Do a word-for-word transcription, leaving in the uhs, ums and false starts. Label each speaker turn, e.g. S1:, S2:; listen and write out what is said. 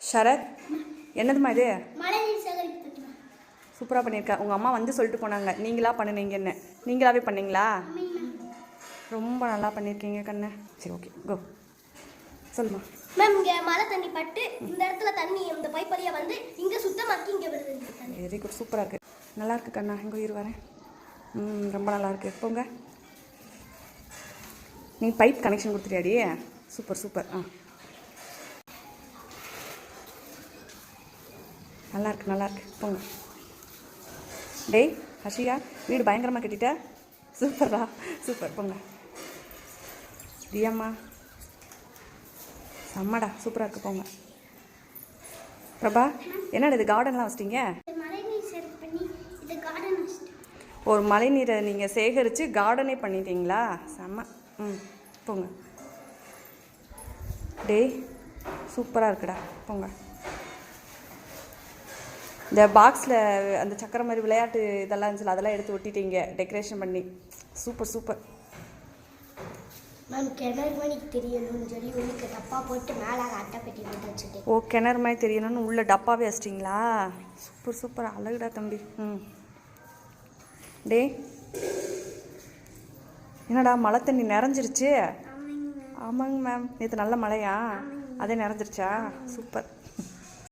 S1: ஷரத், என்னதுமா இது?
S2: மழைநீர் சேகரிப்பு தொட்டி.
S1: சூப்பராக பண்ணியிருக்கா. உங்கள் அம்மா வந்து சொல்லிட்டு போனாங்க நீங்களா பண்ணுனீங்கன்னு. நீங்களாவே பண்ணீங்களா? ரொம்ப நல்லா பண்ணியிருக்கீங்க கண்ணு. சரி, ஓகே, கோ சொல்லுமா.
S2: மேம், இங்கே மழை தண்ணி பட்டு இந்த இடத்துல தண்ணி இந்த பைப் வழியாக வந்து இங்கே சுத்தமாக்கி இங்கே வருது.
S1: வெரி குட், சூப்பராக இருக்குது. நல்லா இருக்குது கண்ணா. எங்கள் உயிர் வரேன். ம் ரொம்ப நல்லா இருக்குது. போங்க, நீ பைப் கனெக்ஷன் கொடுத்துட்டியாடி? Super super. ஆ, நல்லா இருக்கு நல்லா இருக்கு. போங்க. டேய் ஹஷியா, வீடு பயங்கரமாக கட்டிட்ட. சூப்பரா, சூப்பர். போங்க. தியாம்மா, செம்மடா, சூப்பராக இருக்குது. போங்க. பிரபா, என்னடா இது கார்டன்லாம் வச்சிட்டிங்க?
S2: மழைநீர் சேகரிப்பு பண்ணி இது கார்டன் வச்சிட்டேன்.
S1: ஒரு மழை நீரை நீங்கள் சேகரித்து கார்டனே பண்ணிட்டீங்களா? செம்ம. ம் போங்க. டேய் சூப்பராக இருக்குடா. போங்க. இந்த பாக்ஸில் அந்த சக்கரை மாதிரி விளையாட்டு இதெல்லாம் இருந்துச்சு, அதெல்லாம் எடுத்து ஒட்டிட்டீங்க டெக்கரேஷன் பண்ணி. Super super.
S2: மேம், கிணறு மணிக்கு தெரியணும்னு சொல்லி உங்களுக்கு டப்பா போட்டு மேலே அட்டை பெட்டி போட்டு வச்சுட்டேன்.
S1: ஓ, கிணறு மாதிரி தெரியணும்னு உள்ள டப்பாவே வச்சிட்டிங்களா? சூப்பர் சூப்பர், அழகுடா தம்பி. ம் டே, என்னடா மழை தண்ணி நிறைஞ்சிருச்சு? ஆமாங்க மேம். நேற்று நல்ல மழையா? அதே நிறைஞ்சிருச்சா? சூப்பர்.